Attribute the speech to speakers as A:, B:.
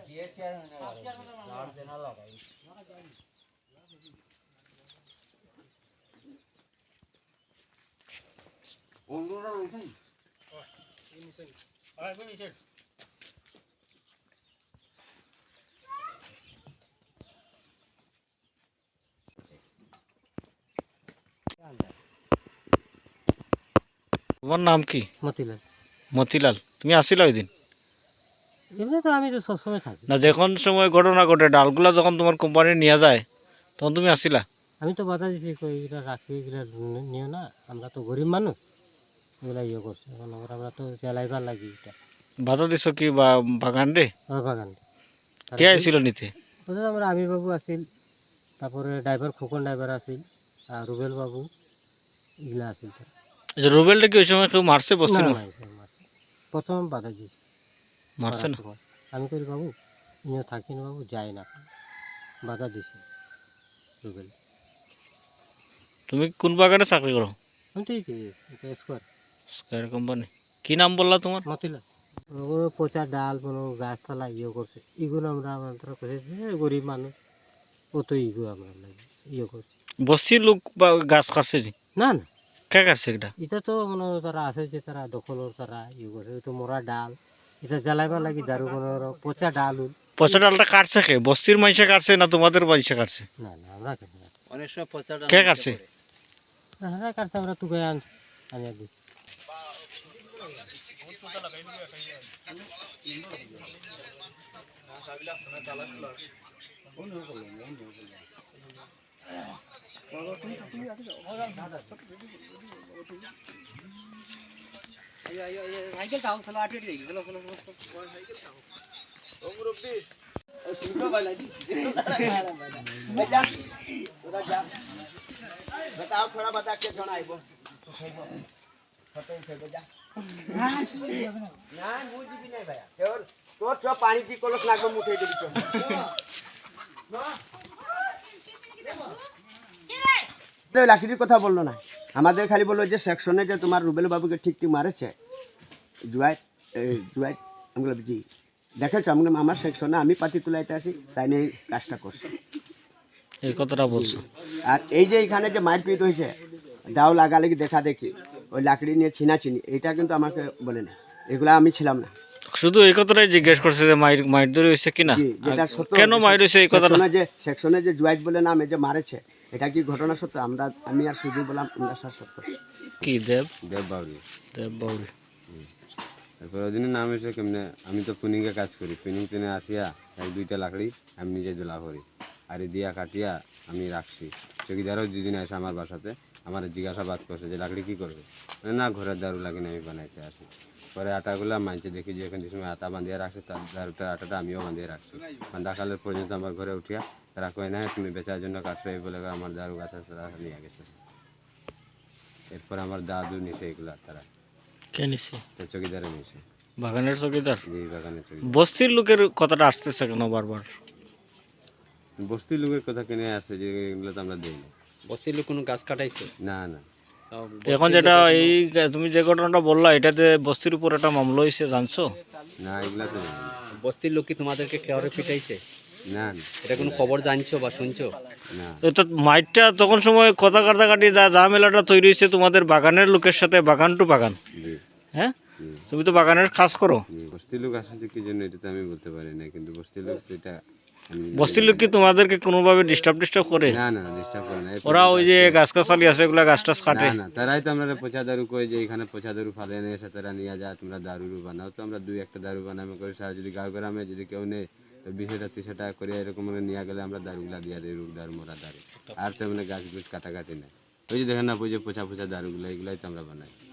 A: তোমার নাম কি?
B: মতিলাল।
A: মতিলাল, তুমি আসিলা ওই দিন?
B: এমনি তো আমি তো সবসময় থাকি
A: না, যখন সময় ঘটনা ঘটে ডালগুলা যখন তোমার কোম্পানি নিয়ে যায় তখন তুমি আসিলা?
B: আমি তো বাধা দিছি কই এগুলা রাখি এগুলা নিও না আমরা তো গরিব মানুষ এগুলা ইয়ে করছে এখন আমরা তো জ্বালাইবার লাগি এটা
A: বাধা দিছ কি বা বাগান রে?
B: আমার বাগান
A: কে আইছিল নিতে?
B: ওদের আমরা আমির বাবু আসিল তারপরে ড্রাইভার খোকন ড্রাইভার আসিল আর রুবেল বাবু এগুলা আসিল
A: রুবেলটা কি ওই সময় কেউ মারছে বসছিল?
B: প্রথম বাধা দিই
A: মারছে না?
B: আমি করি বাবু ইনিও থাকি না বাবু যাই না বাধা দিছি রুবেল।
A: তুমি কোন বাগানে চাকরি করো?
B: আমি তো স্কোয়ার
A: স্কয়ার কোম্পানি। কি নাম বললা তোমার?
B: মতিলাল। ওগুলো পচা ডাল কোনো গাছপালা ইয়ে করছে এগুলো আমরা আমাদের করেছি গরিব মানুষ অত ইগো আমরা লাগে ইয়ে করছি।
A: বস্তির লোক বা গাছ কাটছে?
B: না না
A: কে কাটছে এটা?
B: এটা তো মনে তারা আছে যে তারা দখলর তারা ইয়ে করছে তো মরা ডাল এটা জ্বালাইবার লাগি দারু কোনো পচা ডাল।
A: পচা ডালটা কাটছে কে? বস্তির মানুষে কাটছে না তোমাদের মানুষে কাটছে?
B: না না আমরা কেন
C: অনেক সময় পচা ডাল
A: কে কাটছে?
B: হ্যাঁ কাটছে আমরা তুকে আনিয়ে দিই। সাইকেল তাও চলো আটে দিই চলো চলো ও মুরব্বি ও সিংহ বাইলাজি বেটা তোরা যা बताओ थोड़ा बता के जोन आइबो खाइबो फटे खाइबो जा ना मु जीबी नहीं भाया और तोर छ पानी की कलस लागबो मुठे देबी छ না লাকির কথা বললো না আমাদের খালি বললো যে সেকশনে যে তোমার রুবেল বাবুকে ঠিক ঠিক মারেছে জুয়াই জুয়াই আমি বললাম জি দেখেছো আমি আমার সেকশনে আমি পাতি তুলাইতে আসি তাই নিয়ে কাজটা করছি
A: এই কথাটা বলছো।
B: আর এই যে এখানে যে মারপিট হয়েছে দাও লাগালেগি দেখা দেখি ওই লাকড়ি নিয়ে ছিনাছিনি এটা কিন্তু আমাকে বলে না এগুলা আমি ছিলাম না
A: শুধু এই কথাটাই জিজ্ঞেস করছে যে মাইর ধরে হয়েছে কিনা, কেন মাইর হয়েছে এই কথাটা।
B: যে সেকশনে যে জুয়াইট বলে নামে যে মারেছে এটা কি ঘটনা সত্য আমি আর শুধু বললাম আমরা সত্য।
A: কি দেব
C: বাউরি
A: দেব বাউরি
C: তারপর ওই দিনের নাম হয়েছে কেমনে আমি তো পুনিংয়ে কাজ করি পুনিং টেনে আসিয়া এক দুইটা লাকড়ি আমি নিজে জ্বলা করি আর দিয়া কাটিয়া আমি রাখছি চকিদারও দুদিন আসে আমার বাসাতে আমার জিজ্ঞাসাবাদ করছে যে লাকড়ি কী করবে না ঘরের দারু লাগিয়ে আমি বানাইতে আসি পরে আটাগুলো মানছে দেখি যে এখানে সময় আটা বাঁধিয়ে রাখছে তার দারুটার আটাটা আমিও বাঁধিয়ে রাখছি বান্ধাকালের পর্যন্ত আমার ঘরে উঠিয়া তারা কয় না তুমি বেচার জন্য কাটছো এই বলে আমার দারু গাছ তারা নিয়ে গেছে এরপর আমার দাদু নিছে এগুলা তারা
A: কে নিছে?
C: চকিদারে নিছে
A: বাগানের চকিদার।
C: এই বাগানের চকিদার
A: বস্তির লোকের কথাটা আসতেছে কেন বারবার?
C: বস্তির লোকের কথা কিনে আসছে যে এগুলো তো আমরা দিই না।
D: বস্তির লোক কোনো গাছ কাটাইছে
C: না না
A: এখন যেটা এই তুমি যে ঘটনাটা বললা এটাতে বস্তির উপর একটা মামলা হয়েছে জানছো?
C: না এগুলা তো
D: বস্তির লোক কি তোমাদেরকে কেউরে পিটাইছে?
C: না না
D: এটা কোনো খবর জানছো বা শুনছো?
C: না
A: তো মাইটটা তখন সময় কথা কাটাকাটি যা ঝামেলাটা তৈরি হয়েছে তোমাদের বাগানের লোকের সাথে বাগান টু বাগান।
C: জি
A: হ্যাঁ তুমি তো বাগানের কাজ করো।
C: বস্তির লোক আসছে কি জন্য এটা তো আমি বলতে পারি না কিন্তু বস্তির লোক এটা
A: বস্তির লোক কি তোমাদেরকে কোনোভাবে ডিস্টার্ব করে?
C: না না ডিস্টার্ব করে না
A: ওরা ওই যে গাছ গাছালি আছে এগুলা গাছ টাছ কাটে
C: না তারাই তো আমরা পচা দারু কই যে এখানে পচা দারু ফালে নিয়ে এসে তারা নিয়ে যায় তোমরা দারু বানাও তো আমরা দুই একটা দারু বানাবো করে সারা যদি গাঁও গ্রামে যদি কেউ নেই তো 20-30 টাকা করে এরকম নিয়ে গেলে আমরা দারুগুলা দিয়ে দিই রূপ দারু মোড়া দারু আর তেমনি গাছ গুছ কাটাকাটি নেই ওই যে দেখেন না ওই যে পচা দারুগুলো এগুলাই তো আমরা বানাই।